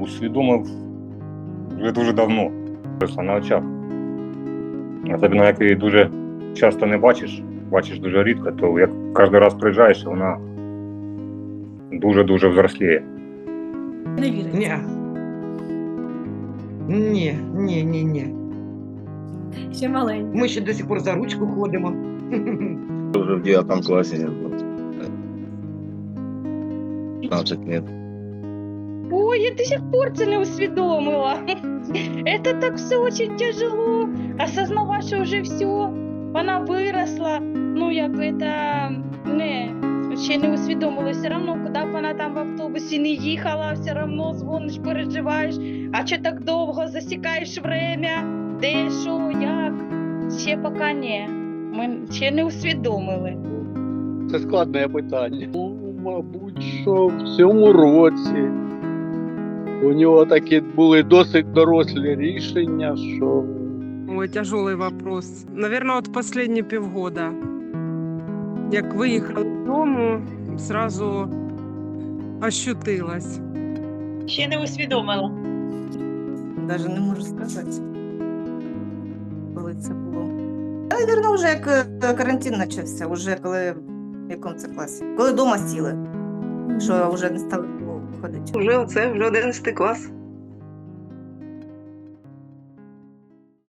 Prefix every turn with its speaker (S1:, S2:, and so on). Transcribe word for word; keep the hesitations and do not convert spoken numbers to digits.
S1: усвідомив вже дуже давно, просто на очах. Особливо, як її дуже часто не бачиш, бачиш дуже рідко, то як кожен раз приїжджаєш, вона дуже-дуже взросліє.
S2: Не вірить.
S3: Ні. Ні, ні, ні, ні.
S2: Ще маленька.
S3: Ми ще до сих пор за ручку ходимо.
S4: Уже в девятом классе. пятнадцать лет.
S5: Ой, я до сих пор це не усвідомила. Это так все очень тяжело. Осознавать, що вже все, вона виросла. Ну, як це, не, ще не усвідомила. Все одно, куди б вона там в автобусі не їхала, все одно дзвониш, переживаєш. А що так довго засікаєш время? Де, що, як? Ще поки ні. Ми ще не усвідомили.
S6: Це складне питання. Ну, мабуть, що в цьому році у нього такі були досить дорослі рішення, що
S7: Ой, тяжелый вопрос. Наверное, от последние полгода. Як виїхала з дому, сразу ощутилась.
S5: Ще не усвідомила.
S2: Навіть не можу сказати, коли це було. Навірно, вже як е, карантин почався, вже коли в якому це класі. Коли вдома сіли, що вже не стали ходити.
S3: Вже це, вже одинадцятий клас.